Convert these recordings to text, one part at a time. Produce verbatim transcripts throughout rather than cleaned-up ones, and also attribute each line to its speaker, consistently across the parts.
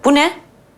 Speaker 1: Bu ne?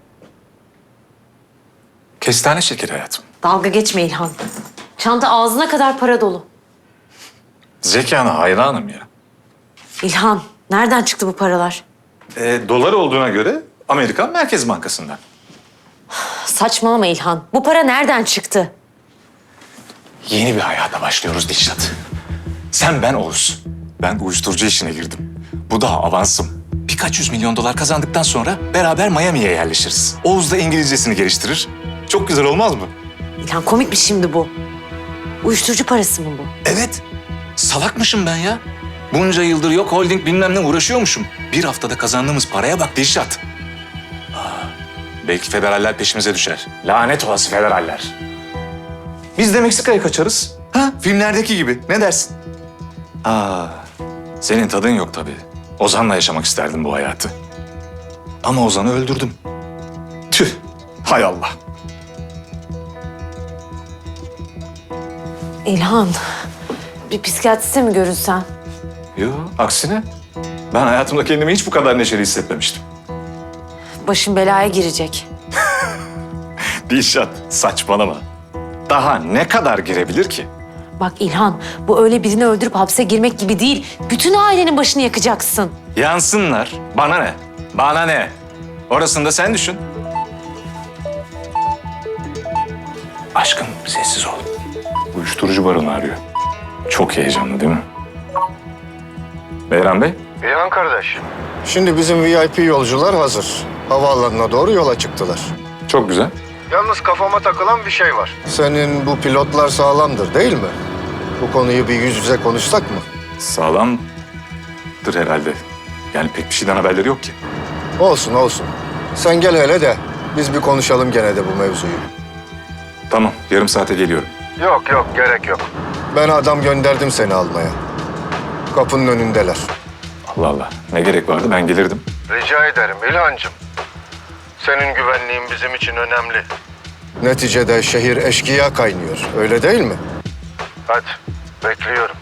Speaker 2: Kestane şekeri hayatım.
Speaker 1: Dalga geçme İlhan. Çanta ağzına kadar para dolu.
Speaker 2: Zekana hayranım ya.
Speaker 1: İlhan, nereden çıktı bu paralar?
Speaker 2: E, dolar olduğuna göre Amerikan Merkez Bankası'ndan.
Speaker 1: Saçmalama İlhan. Bu para nereden çıktı?
Speaker 2: Yeni bir hayata başlıyoruz Dişlat. Sen, ben, Oğuz. Ben uyuşturucu işine girdim. Bu daha avansım. Birkaç yüz milyon dolar kazandıktan sonra beraber Miami'ye yerleşiriz. Oğuz da İngilizcesini geliştirir. Çok güzel olmaz mı?
Speaker 1: İlhan, komik bir şimdi bu. Uyuşturucu parası mı bu?
Speaker 2: Evet. Salakmışım ben ya. Bunca yıldır yok holding bilmem ne uğraşıyormuşum. Bir haftada kazandığımız paraya bak Dilşat. Aa, belki federaller peşimize düşer. Lanet olası federaller. Biz de Meksika'ya kaçarız. Ha, filmlerdeki gibi. Ne dersin? Aa, senin tadın yok tabii. Ozan'la yaşamak isterdim bu hayatı. Ama Ozan'ı öldürdüm. Tüh, hay Allah.
Speaker 1: İlhan, bir psikiyatriste mi görünsen?
Speaker 2: Yo, aksine. Ben hayatımda kendimi hiç bu kadar neşeli hissetmemiştim.
Speaker 1: Başın belaya girecek.
Speaker 2: Dilşat, saçmalama. Daha ne kadar girebilir ki?
Speaker 1: Bak İlhan, bu öyle birini öldürüp hapse girmek gibi değil. Bütün ailenin başını yakacaksın.
Speaker 2: Yansınlar. Bana ne? Bana ne? Orasını da sen düşün. Aşkım, sessiz ol. Uyuşturucu baronu arıyor. Çok heyecanlı değil mi? Beyran Bey?
Speaker 3: İlhan kardeş. Şimdi bizim V I P yolcular hazır. Havaalanına doğru yola çıktılar.
Speaker 2: Çok güzel.
Speaker 3: Yalnız kafama takılan bir şey var. Senin bu pilotlar sağlamdır değil mi? Bu konuyu bir yüz yüze konuşsak mı?
Speaker 2: Sağlamdır herhalde. Yani pek bir şeyden haberleri yok ki.
Speaker 3: Olsun olsun. Sen gel hele de biz bir konuşalım gene de bu mevzuyu.
Speaker 2: Tamam, yarım saate geliyorum.
Speaker 3: Yok yok gerek yok. Ben adam gönderdim seni almaya. Kapının önündeler.
Speaker 2: Allah Allah, ne gerek vardı, ben gelirdim.
Speaker 3: Rica ederim İlhancığım. Senin güvenliğin bizim için önemli. Neticede şehir eşkıya kaynıyor. Öyle değil mi? Hadi bekliyorum.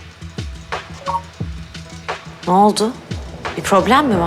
Speaker 1: Ne oldu? Bir problem mi var?